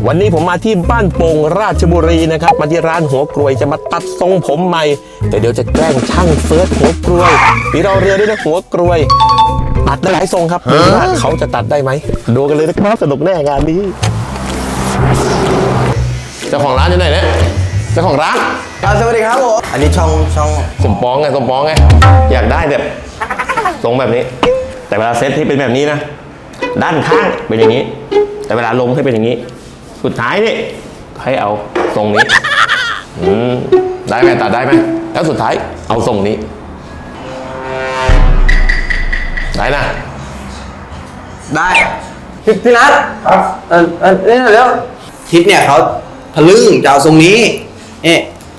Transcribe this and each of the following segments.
วันนี้ผมมาที่บ้านโป่งราชบุรีนะครับมาที่ร้านหัวกรวยจะมาตัดทรงผมใหม่แต่เดี๋ยวจะแกล้งช่างเฟิร์สหัวกรวยมีรอเรือด้วยนะหัวกรวยตัดได้หลายทรงครับดูว่าเขาจะตัดได้ไหมดูกันเลยนะครับสนุกแน่งานนี้เจ้าของร้านอยู่ไหนเนี่ยเจ้าของร้านสวัสดีครับผมอันนี้ช่องสมปองไงอยากได้แบบทรงแบบนี้แต่เวลาเซตที่เป็นแบบนี้นะด้านข้างเป็นอย่างนี้แต่เวลาลงให้เป็นอย่างนี้สุดท้ายนี่ให้เอาทรงนี้ได้ไหมตัดได้ไหมแล้วสุดท้ายเอาทรงนี้ได้นะได้พี่นัทครับนี่เดี๋ยวทิศเนี่ยเขาทะลึ่งจะเอาทรงนี้นี่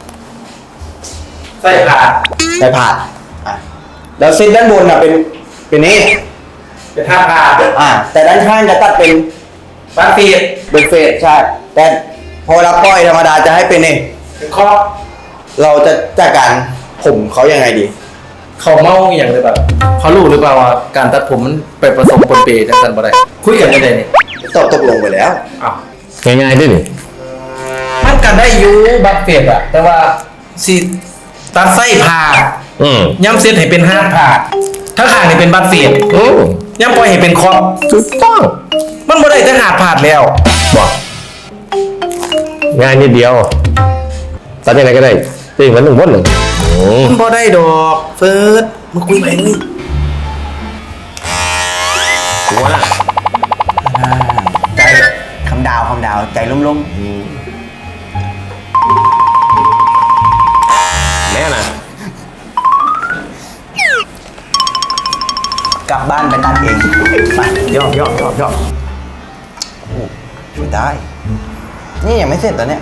ใส่ผ่านแล้วเส้นด้านบนอ่ะเป็นนี่เป็นท่าผ่าแต่ด้านข้างจะตัดเป็นบันเฟดใช่แต่พอเราปล่อยธรรมดาจะให้เป็นนี่เป็นข้อเราจะจัดการผมเขายังไงดีเขาเมาอย่างเลยแบบเขารู้หรือเปล่าว่าการตัดผมมันไปผสมปนเปจังสันบ่ได้คุยกันได้เนี่ยตกลงไปแล้วง่ายๆด้วยนี่มันกันได้อยู่บัตเฟดอะแต่ว่าสิตัดไส้ผ่าย้ำเซตให้เป็นห้าผ่าถ้าข้างนี่เป็นบัตเฟดย้ำปล่อยให้เป็นคอถูกต้องมันบ่ได้แต่หาผ่าแล้วบอกง่ายนิดเดียวตัดยังไงก็ได้จริงมันหนึ่งวนหนึ่งมันบ่ได้ดอกเฟิร์สมาคุยไปเลยว่าใจคำดาวใจลุ่มแม่นะกลับบ้านไปตัดเองไปย่อช่วยได้นี่ยังไม่เสร็จตอนเนี้ย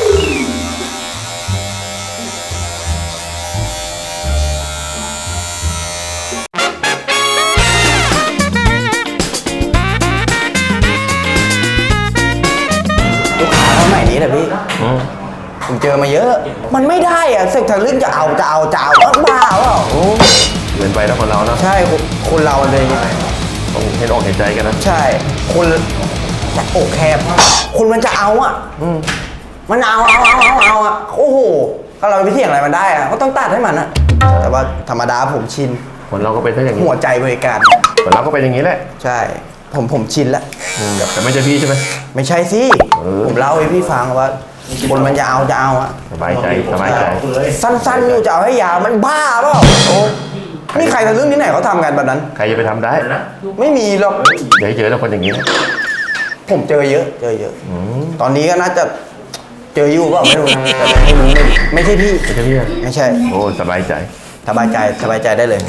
ลูกค้าเขาใหม่นี้แหละพี่ผมเจอมาเยอะมันไม่ได้อะเสกทะลึ่งจะเอาบ้าเปล่าเกินไปนะคนเรานะใช่คนเราเลยต้องเห็นอกเห็นใจกันนะใช่คนจะอกแคบคนมันจะเอาอ่ะมันเอาอ่ะโอ้โหถ้าเราไปเสี่ยงอะไรมันได้อ่ะก็ต้องตัดให้มันอ่ะแต่ว่าธรรมดาผมชินคนเราก็เป็นอย่างนี้หัวใจบริการคนเราก็เป็นอย่างนี้แหละใช่ผมชินแล้วแต่ไม่ใช่พี่ใช่ไหมไม่ใช่สิผมเล่าให้พี่ฟังว่าคนมันจะเอาอ่ะสบายใจสั้นๆอยู่จะเอาให้ยาวมันบ้าเปล่านี่ใครทะลึ่งที่ไหนเขาทำกันแบบนั้นใครจะไปทำได้ไม่มีหรอกเดี๋ยวเจอแล้วคนอย่างนี้ผมเจอเยอะตอนนี้ก็น่าจะเจออยู่ก็ไม่รู้นะไม่ใช่พี่ไม่ใช่โอ้สบายใจได้เลย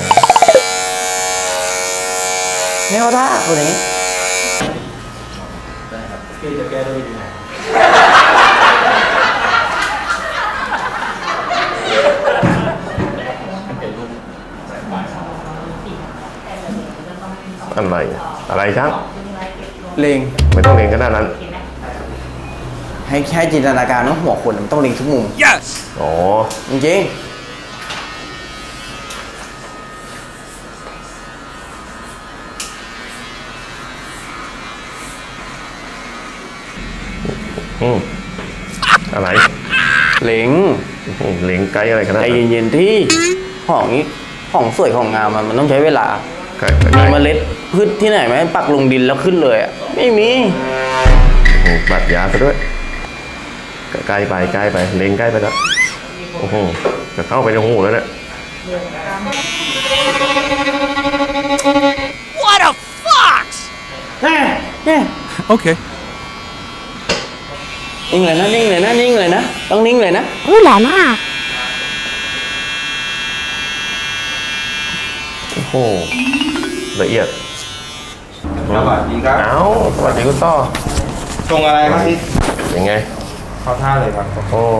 ไม่เอาท่าคนนี้พี่จะแก้ด้วยยังไงอะไรครับเลงไม่ต้องเลงก็ได้นั้นให้แค่จินตนาการว่าหัวคนมันต้องเลงทุกมุม yes อ๋อจริงอะไรเลงไกด์อะไรกันนะใจเย็นๆที่ของสวยของงามมันต้องใช้เวลามีเมล็ดพืชที่ไหนไหมปักลงดินแล้วขึ้นเลยอ่ะไม่มีปัดยาไปด้วยใกล้ไปเล็งใกล้ไปแล้วโอ้โหจะเข้าไปในหูแล้วเนี่ย What a fox โอเคนิ่งเลยนะต้องนิ่งเลยนะหล่อมากโอ้โหละเอียดสวัสดีครับสวัสดีคุณต้อตรงอะไรครับพี่ยังไงเข้าท่าเลยครับโอ้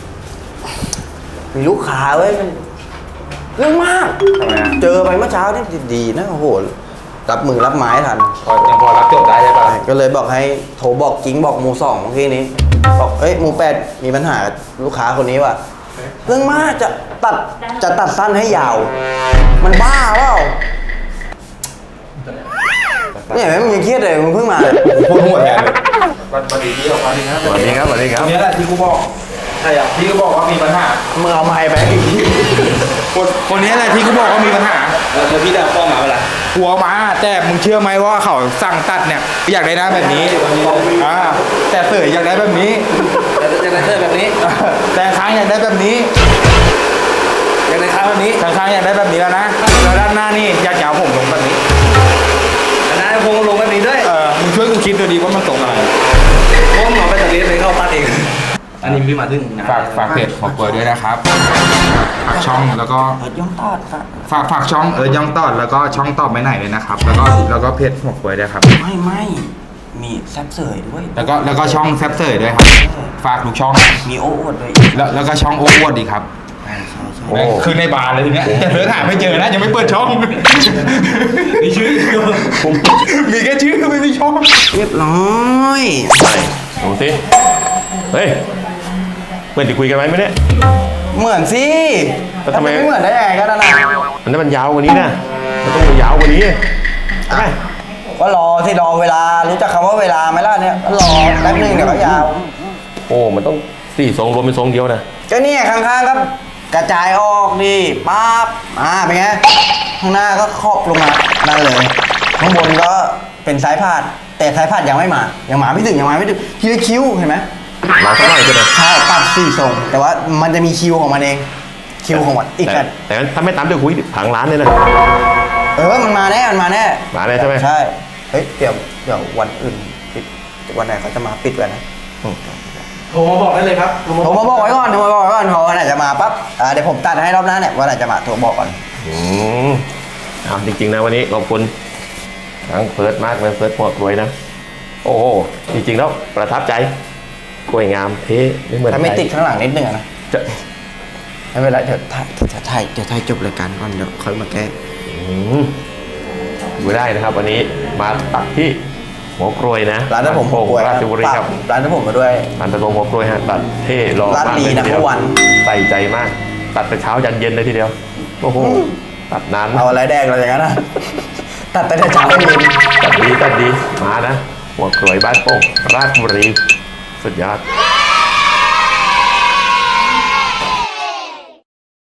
มีลูกค้าเว้ยมันเรื่องมากเจอไปเมื่อเช้านี่ดีนะโอ้โหรับมือรับไม้ทันยังพอรับจบได้ใช่ป่ะก็เลยบอกให้โทรบอกกิ๊งบอกหมู่2เมื่อกี้นี้บอกหมู่8มีปัญหาลูกค้าคนนี้ว่ะเรื่องมากจะตัดสั้นให้ยาวมันบ้าเปล่า เนี่ยมันยังเครียดเลยมึงเพิ่งมาเลยพูดหัวแทนวันดีที่ออกมาดีนะสวัสดีครับสวัสดีครับตรงนี้แหละที่กูบอกใช่อ่ะที่กูบอกว่ามีปัญหามึงเอาไม้ไปอีกทีคนนี้แหละที่กูบอกว่ามีปัญหาแล้วพี่ได้ข้อมาเวลาหัวมาแต่มึงเชื่อไหมว่าเขาสั่งตัดเนี่ยอยากได้หน้าแบบนี้แต่เสยอยากได้แบบนี้จะได้เสื้อแบบนี้แต่ค้างอยากได้แบบนี้อยากได้ข้าวแบบนี้ค้างอยากได้แบบนี้แล้วนะแล้วด้านหน้านี่อยากจะเอาผมลงแบบนี้อันนั้นพงลงแบบนี้ด้วยมึงช่วยกูคิดดูดีว่ามันตรงอะไรพงหมอไปจากเรียนเลยเข้าตัดเองอันนี้พี่มาถึงฝากเพจของเปิดด้วยนะครับฝากช่องแล้วก็ย่องตอดค่ะฝากช่องย่องตอดแล้วก็ช่องตอบไม่ไหนเลยนะครับ แล้วก็เพจของเปิดด้วยครับไม่มีแซบเสยด้วยแล้วก็ช่องแซบเซอร์ด้วยครับฝากทุกช่องมีโอ้อวดด้วยแล้วก็ช่องโอ้วดดีครับโอ้คือในบาร์เลยทีเนี้ยแต่เนื้อหาไม่เจอนะยังไม่เปิดช่องมีชื่อมีแค่ชื่อไม่มีช่องเรียบร้อยไปดูสิเฮ้ยเพื่อนที่คุยกันไหมเนี่ยเหมือนสิแล้วทำไมไม่เหมือนได้ไงก็นั่นน่ะอันนั้นมันยาวกว่านี้นะมันต้องยาวกว่านี้ใช่ไหมก็รอที่รอเวลารู้จักคำว่าเวลาไหมล่ะเนี่ยก็รอแป๊บนึงเดี๋ยวก็ยาวโอ้มันต้องสี่ทรงรวมเป็นทรงเดียวนะก็เนี่ยข้างๆก็กระจายออกดิปั๊บเป็นไงข้างหน้าก็ครอบลงมานั่นเลยข้างบนก็เป็นสายพาดแต่สายพาดยังไม่มายังมาไม่ถึงทีละคิวเห็นไหมเราสักหน่อยก็ได้ใช่ตัด4ทรงแต่ว่ามันจะมีคิวของมันเองคิวของมันอีกกันแต่ถ้าไม่ตามเดี๋ยวคุยผังร้านเลยนะมันมาแน่มาแน่ใช่ไหมใช่เฮ้ยเดี๋ยววันอื่นปิดวันไหนเขาจะมาปิดกันนะโทรมาบอกได้เลยครับผมมาบอกไว้ก่อนพอวันไหนจะมาปั๊บเดี๋ยวผมตัดให้รอบหน้าเนี่ยวันไหนจะมาโทรบอกก่อนเอาจริงๆนะวันนี้ขอบคุณทั้งเฟิร์สมากเลยเฟิร์สหมวกรวยนะโอ้โหจริงๆแล้วประทับใจสวยงามเท่ไม่เหมือนถ้าไม่ติดข้างหลังนิดนึงนะจะไม่เป็นไรเดี๋ยวถ่ายจบรายการก่อนเดี๋ยวค่อยมาแก้ดูได้นะครับ วันนี้มาตัดที่หัวกรวยนะร้านนั้นผมโป่งราชบุรีครับร้านนั้นผมมาด้วยร้านตะโกหัวกรวยฮะตัดเท่รอร้านมากดีเลยนะทีเดียวเมื่อวานใส่ใจมาก ตัดแต่เช้ายันเย็นเลยทีเดียวโอ้โหตัดนานเอาอะไรแดงเราอย่างนั้นนะตัดแต่เช้าเย็นตัดดีมานะหัวกรวยบ้านโป่งราชบุรีสุดยอด